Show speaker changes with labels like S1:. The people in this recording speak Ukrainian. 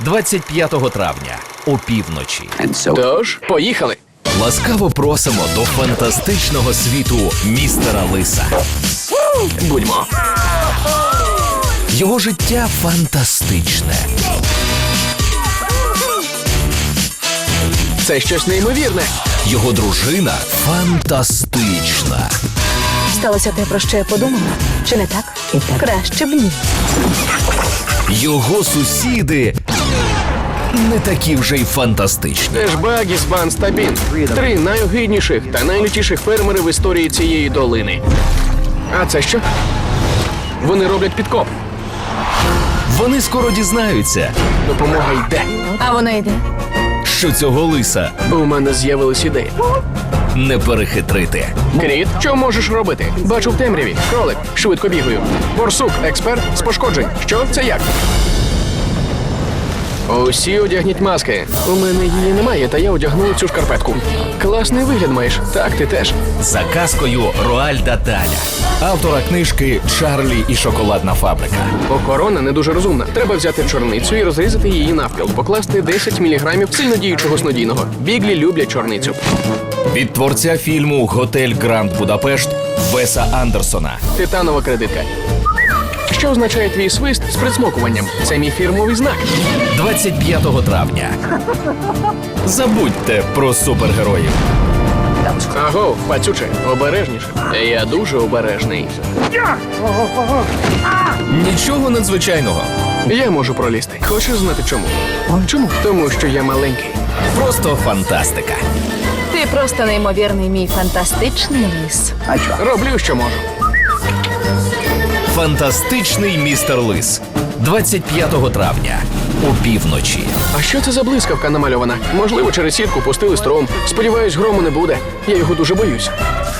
S1: 25 травня опівночі.
S2: Тож, поїхали.
S1: Ласкаво просимо до фантастичного світу містера Лиса.
S2: Будьмо.
S1: Його життя фантастичне.
S2: Це щось неймовірне.
S1: Його дружина фантастична.
S3: Сталося те, про що я подумала? Чи не так? Краще б ні.
S1: Його сусіди не такі вже й фантастичні.
S2: Це ж Баггіс, Банс та Бін. 3 найогидніших та найлютіших фермери в історії цієї долини. А це що? Вони роблять підкоп.
S1: Вони скоро дізнаються,
S2: Допомога йде.
S3: А вона йде.
S1: що цього лиса
S2: У мене з'явилась ідея.
S1: не перехитрити.
S2: Кріт, що можеш робити? Бачу в темряві. Кролик, швидко бігаю. Борсук, експерт з пошкоджень. Що це як? Усі одягніть маски. У мене її немає, та я одягну цю шкарпетку. Класний вигляд маєш. Так, ти теж.
S1: За казкою Роальда Даля, автора книжки «Чарлі і шоколадна фабрика».
S2: Охорона не дуже розумна. Треба взяти чорницю і розрізати її навпіл. Покласти 10 мг сильнодіючого снодійного. Біглі люблять чорницю.
S1: Від творця фільму «Готель Гранд Будапешт» Веса Андерсона.
S2: Титанова кредитка. Що означає твій свист з присмокуванням? Це мій фірмовий знак.
S1: 25 травня. Забудьте про супергероїв.
S2: Аго, пацюче, обережніше. Я дуже обережний.
S1: Нічого надзвичайного.
S2: Я можу пролізти. Хочеш знати чому? Чому? Тому що я маленький.
S1: Просто фантастика.
S3: Ти просто неймовірний мій фантастичний лис.
S2: Роблю, що можу.
S1: Фантастичний містер Лис. 25 травня. Опівночі.
S2: А що це за блискавка намальована? Можливо, через сітку пустили струм. Сподіваюсь, грому не буде. Я його дуже боюсь.